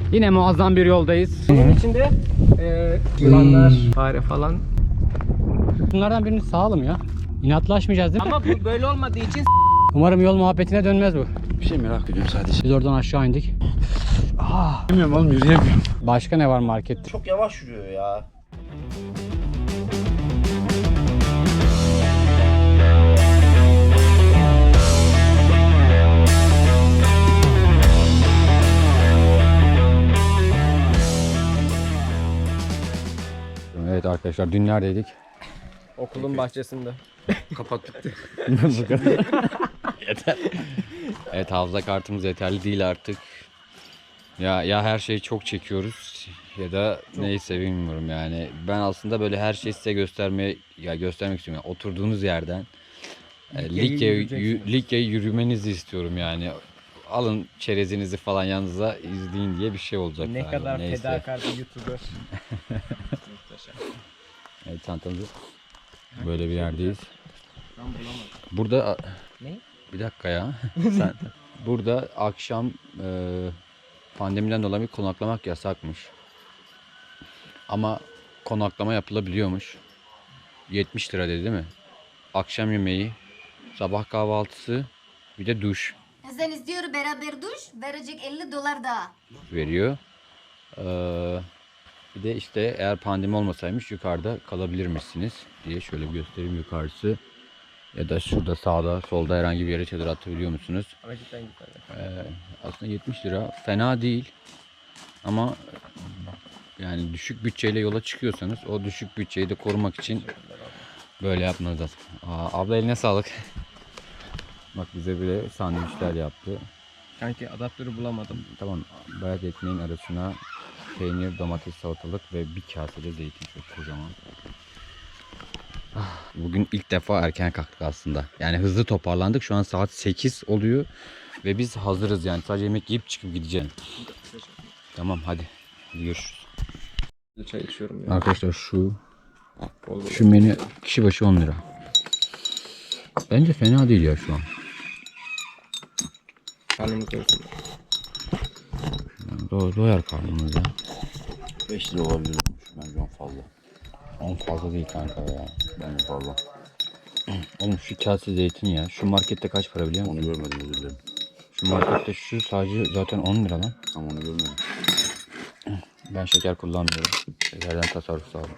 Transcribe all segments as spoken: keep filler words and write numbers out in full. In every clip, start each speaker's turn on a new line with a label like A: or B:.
A: Yine muazzam bir yoldayız. Bunun içinde e, yılanlar, fare falan. Bunlardan birini sağalım ya. İnatlaşmayacağız değil mi?
B: Ama bu böyle olmadığı için
A: Umarım yol muhabbetine dönmez bu.
C: Bir şey merak ediyorum sadece.
A: Biz oradan aşağı indik.
C: Aa, bilmiyorum oğlum, yürüyemiyorum.
A: Başka ne var markette?
C: Çok yavaş yürüyor ya.
A: Evet arkadaşlar, dün neredeydik?
B: okulun bahçesinde.
C: Kapat bitti.
A: Bu kadar. Yeter. Evet, hafıza kartımız yeterli değil artık. Ya ya her şeyi çok çekiyoruz ya da neyse bilmiyorum yani. Ben aslında böyle her şeyi size göstermeye ya göstermek istiyorum. Yani oturduğunuz yerden e, Likya'yı yü- Likya'yı yürümenizi istiyorum yani. Alın çerezinizi falan yanınıza izleyin diye bir şey olacak.
B: Ne
A: galiba.
B: kadar
A: Neyse.
B: fedakar bir YouTuber.
A: Evet, çantamızı böyle bir yerdeyiz. Burada
B: Ne?
A: bir dakika ya. Sen burada akşam e, pandemiden dolayı konaklamak yasakmış. Ama konaklama yapılabiliyormuş. yetmiş lira dedi değil mi? Akşam yemeği, sabah kahvaltısı, bir de duş
D: Sen istiyor beraber duş verecek elli dolar daha.
A: veriyor. Ee, bir de işte eğer pandemi olmasaymış yukarıda kalabilirmişsiniz diye şöyle bir göstereyim yukarısı. Ya da şurada sağda solda herhangi bir yere çadır atabiliyor musunuz?
B: Ama cidden güzel.
A: Ee, aslında yetmiş lira fena değil. Ama yani düşük bütçeyle yola çıkıyorsanız o düşük bütçeyi de korumak için böyle yapmanız lazım. Aa, abla eline sağlık. Bak bize bile sandviçler yaptı.
B: Kanki adaptörü bulamadım.
A: Tamam, bayat ekmeğin arasına peynir, domates, salatalık ve bir kase de zeytin, çok kocaman. Ah, bugün ilk defa erken kalktık aslında. Yani hızlı toparlandık. Şu an saat sekiz oluyor ve biz hazırız yani. Sadece yemek yiyip çıkıp gideceğim. Tamam hadi. Hadi görüşürüz.
B: Çay içiyorum ya.
A: Arkadaşlar şu
B: Bol bol.
A: şu menü kişi başı on lira. Bence fena değil ya şu an.
B: Karnımız doysun.
A: Do doyar karnımız ya.
C: beş lira olabilir. Bence on fazla.
A: on fazla değil kanka ya.
C: Bence fazla.
A: Oğlum şu kase zeytin ya. Şu markette kaç para biliyor musun?
C: Onu görmedim, özür dilerim.
A: Şu markette şu sadece zaten on lira lan.
C: Ama onu görmedim.
A: Ben şeker kullanmıyorum. Şekerden tasarruf sağlıyorum.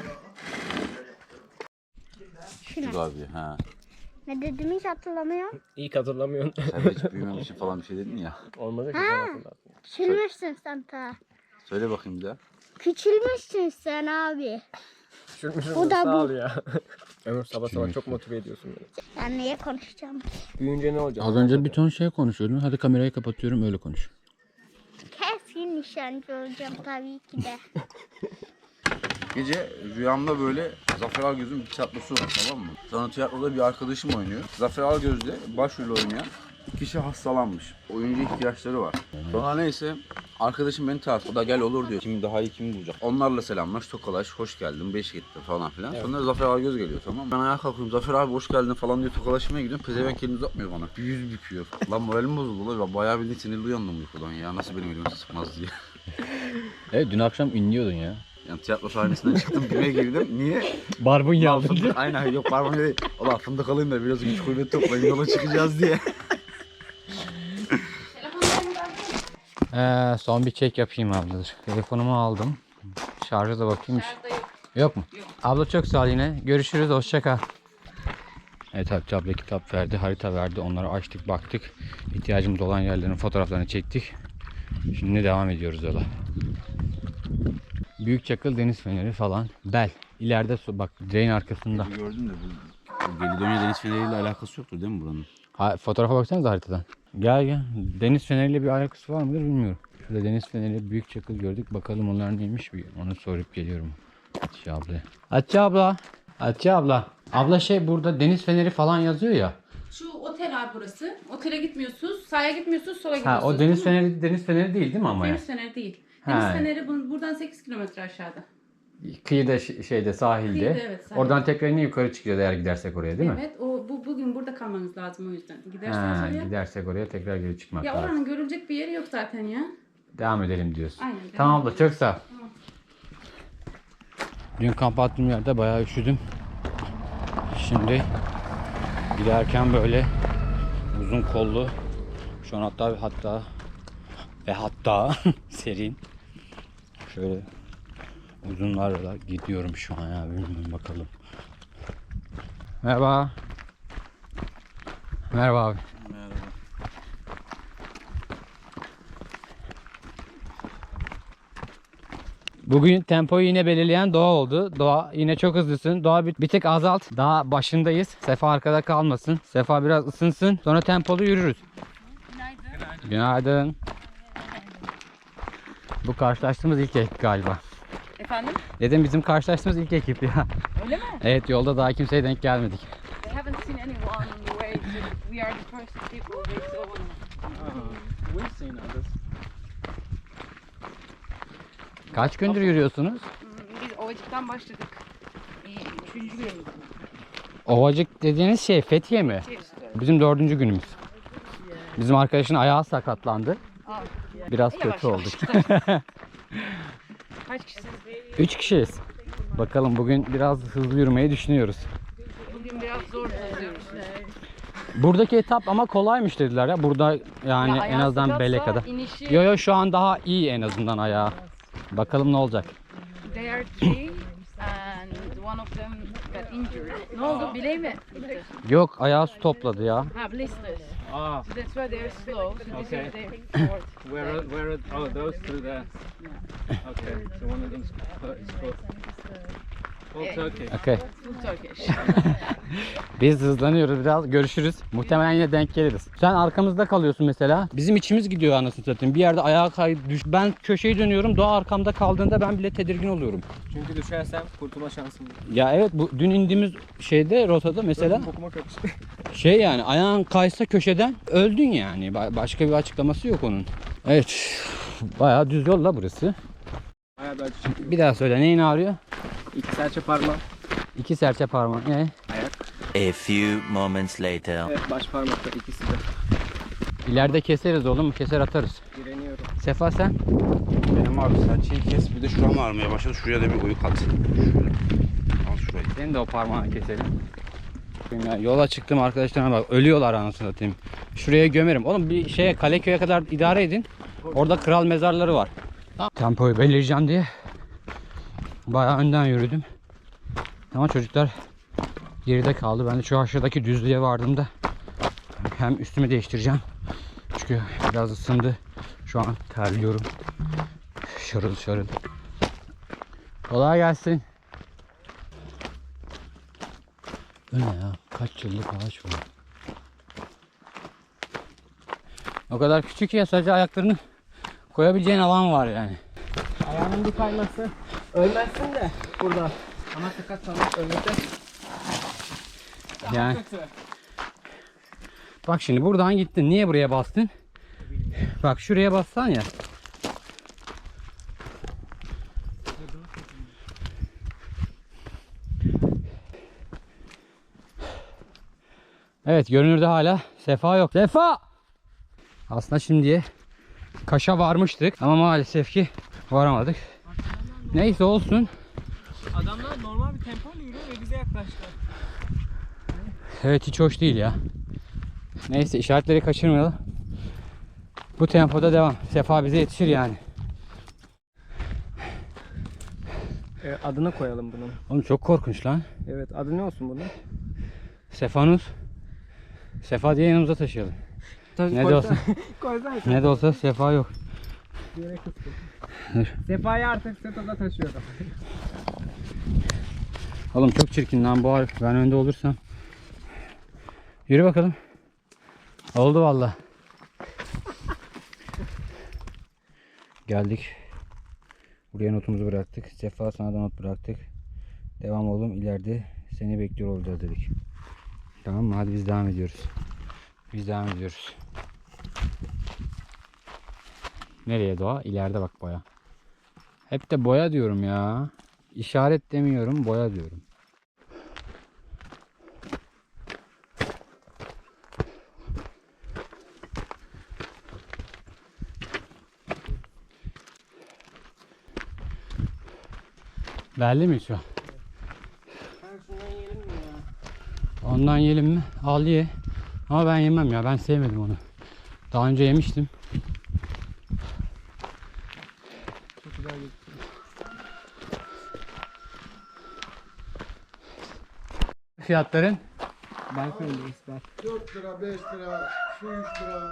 C: Şu abi, ha.
E: Ne dedim hiç hatırlamıyorum.
B: İlk hatırlamıyorsun.
C: Sen de hiç büyümem için falan bir şey dedin ya.
B: Olmadı ki
E: Ha.
B: sen hatırlarsın.
E: Küçülmüşsün sen ta.
C: Söyle bakayım bir daha.
E: Küçülmüşsün sen abi.
B: Düşürmüşüm
E: Bu
B: de
E: da
B: sağ
E: bu.
B: ol ya. Ömür sabah sabah çok motive ediyorsun beni.
E: Ben niye konuşacağım?
B: Büyüyünce ne olacak?
A: Az önce bir ton şey konuşuyordun. Hadi kamerayı kapatıyorum, öyle konuş.
E: Keskin nişancı olacağım tabii ki de.
C: Gece rüyamda böyle Zafer Algöz'ün bir tiyatrosu var, tamam mı? Sonra tiyatroda bir arkadaşım oynuyor. Zafer Algöz'de başrol oynayan kişi hastalanmış. Oyuncu ihtiyaçları var. Sonra neyse arkadaşım beni tartıyor. O da gel olur diyor. Kim daha iyi kimi bulacak. Onlarla selamlaş, tokalaş, hoş geldin, beş gitti falan filan. Evet. Sonra Zafer Algöz geliyor, tamam mı? Ben ayağa kalkıyorum. Zafer abi hoş geldin falan diyor, tokalaşmaya gidiyorum. Pezevenk elini uzatmıyor bana. Bir yüz büküyor. Lan moralim bozuldu lan. Bayağı bir sinirli uyandım uykudan ya. Nasıl benim elimi sıkmaz diye.
A: Evet, dün akşam inliyordun ya.
C: Yani tiyatro sahnesinden çıktım, güme girdim. Niye?
A: Barbunya
C: Ulan fındık- aynen, yok parmağım değil. Ulan fındık alayım da biraz güç kuvvet toplayın, yola çıkacağız diye.
A: Ee, son bir çek yapayım abladır. Telefonumu aldım. Şarja da bakayım. Yok. Yok mu? Yok. Abla çok sağ ol yine. Görüşürüz. Hoşça kal. Evet, Hatice abla kitap verdi, harita verdi. Onları açtık, baktık. İhtiyacımız olan yerlerin fotoğraflarını çektik. Şimdi devam ediyoruz yola. Büyükçakıl Deniz Feneri falan. Bel. İleride su, bak direğin arkasında.
C: Gördüm de bu, bu Gelidonya Deniz Feneri'yle alakası yoktur değil mi buranın?
A: Ha, fotoğrafa baksanıza haritadan. Gel gel. Deniz feneriyle bir alakası var mıdır bilmiyorum. Şurada deniz feneri, büyük çakıl gördük. Bakalım onlar neymiş, bir onu sorup geliyorum Hatice abla. Hatice abla. Hatice abla. Abla şey, burada deniz feneri falan yazıyor ya.
F: Şu otel abi burası. Otele gitmiyorsunuz, sağa gitmiyorsunuz, sola
A: Ha,
F: gidiyorsunuz.
A: o deniz feneri deniz feneri değil değil mi ama ya?
F: Deniz feneri değil.
A: Ha.
F: Deniz feneri bu- buradan sekiz kilometre aşağıda.
A: Kıyıda ş- şeyde sahilde.
F: Kıyıda, evet, sahilde.
A: Oradan tekrar yine yukarı çıkacağız eğer gidersek oraya değil mi?
F: Evet, o bu bugün burada kalmanız lazım o yüzden. Giderseniz
A: Ha,
F: oraya.
A: gidersek oraya tekrar geri çıkmak
F: Ya
A: lazım.
F: oranın görülecek bir yeri yok zaten ya.
A: devam edelim diyorsun.
F: Aynen, devam
A: Tamam abla, çok sağ ol. Dün kamp attığım yerde bayağı üşüdüm. Şimdi giderken böyle uzun kollu, şu an hatta hatta ve hatta serin şöyle uzunlarla gidiyorum şu an ya, bilmiyorum, bakalım. Merhaba. Merhaba abi.
C: Merhaba.
A: Bugün tempoyu yine belirleyen Doğa oldu. Doğa yine çok hızlısın. Doğa bir, bir tek azalt. Daha başındayız. Sefa arkada kalmasın. Sefa biraz ısınsın. Sonra tempolu yürürüz. Günaydın. Günaydın. Bu karşılaştığımız ilk ekip galiba.
F: Efendim?
A: Dedim bizim karşılaştığımız ilk ekip ya.
F: Öyle mi?
A: Evet, yolda daha kimseye denk gelmedik.
F: They haven't seen anyone on the way, so we are the first people they saw.
B: We've seen others.
A: Kaç gündür yürüyorsunuz?
F: Hmm, Biz Ovacık'tan başladık. Ee, Üçüncü günümüz.
A: Ovacık dediğiniz şey Fethiye mi? Bizim dördüncü günümüz. Bizim arkadaşın ayağı sakatlandı.
F: Aa,
A: Biraz
F: yavaş
A: kötü
F: yavaş.
A: olduk.
F: Kaç kişisiniz?
A: Üç kişiyiz. Bakalım bugün biraz hızlı yürümeyi düşünüyoruz.
F: Bugün biraz zor hızlıyoruz.
A: Buradaki etap ama kolaymış dediler ya. Burada yani
F: Ya
A: en
F: ayağı
A: azından
F: sakatsa
A: bele kadar.
F: inişi-
A: Yo yo, şu an daha iyi en azından ayağı. Bakalım ne olacak.
F: They are three and one of them got injured. Ne oldu? Bileği mi? gitti?
A: Yok, ayağı su topladı ya.
F: Ha, blisters.
B: Ah,
F: So that's why they're slow. So this
B: Okay.
F: is their short.
B: where are, where are, oh, those two there. Okay, so one of them's is called. All Turkey.
A: Okay.
F: Full Turkish.
A: Biz hızlanıyoruz biraz. Görüşürüz. Muhtemelen yine denk geliriz. Sen arkamızda kalıyorsun mesela. Bizim içimiz gidiyor anasını satayım. Bir yerde ayağa kay düş. Ben köşeyi dönüyorum. Doğa arkamda kaldığında ben bile tedirgin oluyorum.
B: Çünkü düşersem kurtulma şansım yok.
A: Ya evet, bu dün indiğimiz şeyde, rotada mesela
B: Bokuma karıştı.
A: şey, yani ayağın kaysa köşeden öldün yani. Ba- Başka bir açıklaması yok onun. Evet. Bayağı düz yol la burası.
B: Bayağı bir acı çekiyor.
A: Bir daha söyle, neyin ağrıyor?
B: İki serçe parmağım.
A: İki serçe parmak. Ne?
G: A few moments later.
B: Evet, baş parmakta ikisi de.
A: İleride keseriz oğlum. Keser atarız.
B: Direniyorum.
A: Sefa sen?
C: Benim abi serçeyi kes, bir de şuram ağrımaya başladı. Şuraya da bir oyuk at. Şöyle. Al şurayı.
A: Senin de o parmağını keselim. Ya, yola çıktım, arkadaşlarıma bak. Ölüyorlar anasını satayım. Şuraya gömerim. Oğlum bir şeye, Kaleköy'e kadar idare edin. Orada kral mezarları var. Tempoyu belirleyeceğim diye bayağı önden yürüdüm. Ama çocuklar geride kaldı. Ben de şu aşağıdaki düzlüğe vardığımda hem üstümü değiştireceğim. Çünkü biraz ısındı. Şu an terliyorum. Şarıl şarıl. Kolay gelsin. Bu ne ya? Kaç yıllık ağaç bu? O kadar küçük ya, sadece ayaklarını koyabileceğin alan var yani.
B: Ayağının bir kayması. Ölmezsin de burada. Ama sakat kalmak ölmekten
A: Yani
B: kötü.
A: bak şimdi buradan gittin. Niye buraya bastın? Bak şuraya bassan ya. Evet, görünürde hala Sefa yok. Sefa! Aslında şimdiye Kaş'a varmıştık ama maalesef ki varamadık. Neyse, olsun.
B: Adamlar normal bir tempo yürüyor ve bize yaklaştılar.
A: Evet, hiç hoş değil ya. Neyse, işaretleri kaçırmayalım. Bu tempoda devam. Sefa bize yetişir yani.
B: E, adını koyalım bunun.
A: Oğlum çok korkunç lan.
B: Evet, adı ne olsun bunun?
A: Sefanus. Sefa diye yanımıza taşıyalım. Ne de olsa,
B: Koysana.
A: ne de olsa Sefa yok.
B: Bir yere kıstım.
A: Dur.
B: Sefa'yı artık Seto'da taşıyorum.
A: Oğlum çok çirkin lan bu harf. Ben önde olursam. Yürü bakalım. Oldu valla. Geldik. Buraya notumuzu bıraktık. Sefa, sana da not bıraktık. Devam oğlum, ileride seni bekliyor olacağız dedik. Tamam mı? Hadi biz devam ediyoruz. Biz devam ediyoruz. Nereye Doğa? İleride bak, boya. Hep de boya diyorum ya. İşaret demiyorum, boya diyorum.
H: Belli mi şu an? Ondan yiyelim mi? Al ye. Ama ben yemem ya. Ben sevmedim onu. Daha önce yemiştim. Fiyatların?
I: dört lira, beş lira, şu üç lira.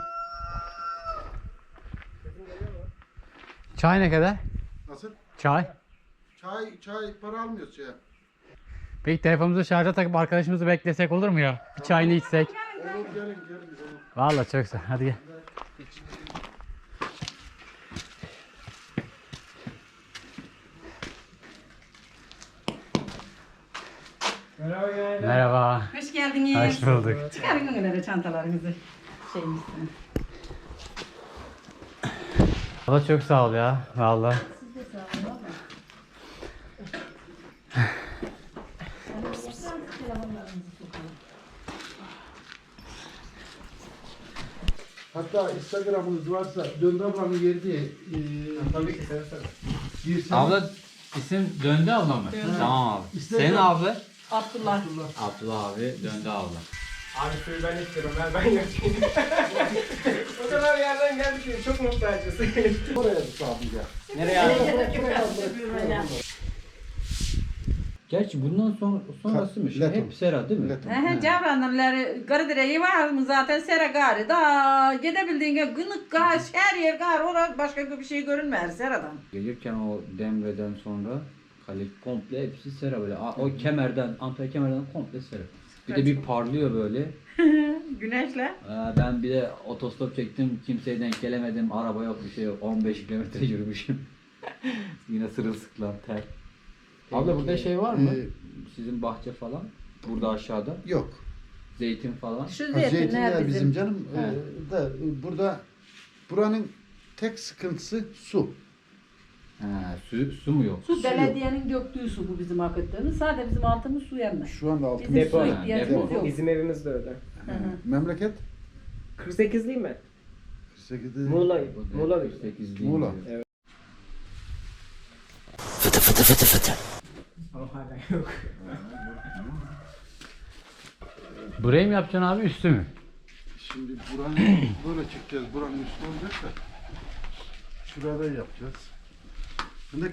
H: Çay ne kadar?
I: Nasıl?
H: Çay.
I: Çay, çay para almıyoruz şeye.
H: Peki telefonumuzu şarja takıp arkadaşımızı beklesek olur mu ya? Bir çayını içsek.
I: Olur gelin gelin.
H: Vallahi çok güzel. Hadi gel. Merhaba.
J: Hoş geldiniz.
H: Hoş bulduk.
J: Çıkarın önlere çantalarınızı. Şeyimizden.
H: Valla çok sağ ol ya. Vallahi.
I: Hatta Instagram'ınız varsa Döndü ablanın yeri diye. E, tabii ki.
H: Abla isim Döndü abla mı? Tamam abi. Senin abla?
J: Abdullah.
H: Abdullah abi Döndü abla.
B: Abi suyu ben istiyorum. Ben ben götüreyim. O kadar yerden geldik ki çok muhtacız.
I: Oraya tutabilir.
A: Gerçi bundan sonra sonrasıymış.
I: Leto.
A: Hep sera değil mi?
I: Leto.
J: He Cavranlarları Garadire'yi var mı zaten sera gari. Da gidebildiğince gınık gar, her yer gar. Orada başka bir şey görünmez seradan.
A: Gelirken o Demre'den sonra kale komple hepsi sera böyle. A- O kemerden, Antalya kemerden komple sera. Bir de bir parlıyor böyle.
J: Güneşle.
A: Ee, Ben bir de otostop çektim. Kimseye denk gelemedim. Araba yok, bir şey yok. on beş kilometre yürümüşüm. Yine sırılsıklam ter. Abla burada şey var mı?
I: Ee,
A: Sizin bahçe falan. Burada aşağıda.
I: Yok.
A: Zeytin falan.
J: Şu
I: Ha,
J: zeytinler
I: zeytinler
J: bizim.
I: bizim canım.
A: He.
I: Ee, da e, burada buranın tek sıkıntısı su.
A: Ha, su, su mu yok?
J: Su belediyenin döktüğü su bu bizim akıttığımız. Sadece bizim altımız su yenmez.
I: Şu anda altımız
J: Bizim su
A: Depo,
J: ihtiyacımız
A: depo.
J: yok.
B: Bizim evimiz de öyle.
J: Hı hı.
I: memleket
B: kırk sekiz değil mi?
I: kırk sekizde
B: Muğla. Muğla.
A: kırk sekiz değil.
I: Muğla.
A: diyor.
G: Fıtı fıtı fıtı fıtı.
B: Ama hala yok.
H: Burayı mı yapacaksın abi üstü mü?
I: Şimdi buranın böyle çıkacağız. Buranın üstü olacak da şurada yapacağız. Fındık.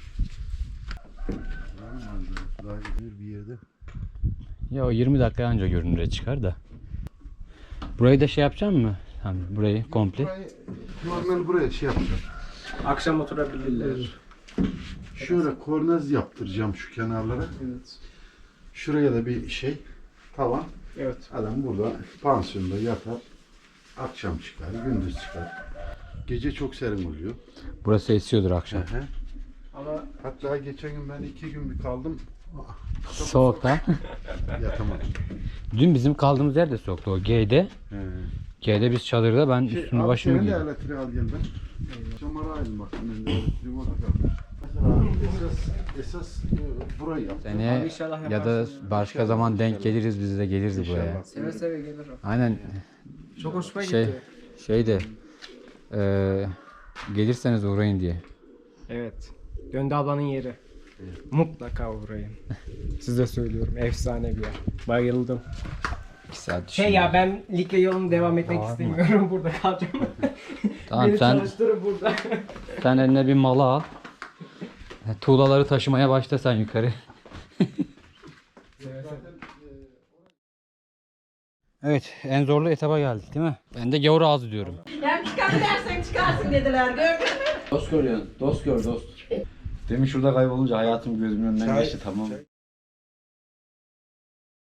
I: Daha güzel bir yerde.
H: Ya o yirmi dakika önce görünüre çıkar da. Burayı da şey yapacaksın mı? Hani burayı komple.
I: Burayı normal buraya şey yapacağım.
B: Akşam oturabilirler.
I: Şöyle kornez yaptıracağım şu kenarlara.
B: Evet.
I: Şuraya da bir şey tavan.
B: Evet.
I: Adam burada pansiyonda yatar. Akşam çıkar, gündüz çıkar. Gece çok serin oluyor.
H: Burası esiyordur akşam.
I: Hı hı.
B: Ama
I: Hatta geçen gün ben iki gün bir kaldım.
H: Soğukta.
I: Yatamadım.
H: Dün bizim kaldığımız yer de soğuktu o G'de.
I: He.
H: G'de biz çadırda ben
I: Şey,
H: üstümü
I: abi
H: başımı
I: senin de
H: giydim.
I: elektriği al gel ben. Çamara aydın bak. Ben de elektriğim orada kaldı. Mesela esas, esas e, burayı yap.
H: Seneye
B: inşallah
H: ya da
B: yaparsın.
H: başka zaman denk geliriz biz de geliriz buraya.
I: İnşallah.
B: seve seve gelirim.
H: Aynen
B: Çok hoşuma
H: şey
B: gitti.
H: şey de eee, gelirseniz uğrayın diye.
B: Evet. Döndü ablanın yeri. Mutlaka uğrayın. Size söylüyorum. Efsane bir yer. Bayıldım.
H: İki saat
B: Şey ya ben ligle yolunu devam etmek istemiyorum. Burada kalacağım.
H: Tamam
B: Beni
H: sen
B: çalıştırın burada.
H: sen eline bir malı al. Tuğlaları taşımaya başla sen yukarı. Evet, en zorlu etaba geldik değil mi? Ben de gavur ağzı diyorum.
J: Yani çıkabilirsen çıkarsın dediler. Gördün mü?
A: Dost görüyorsun. Dost gör dost. Demin şurada kaybolunca hayatım gözümün önünden geçti tamam.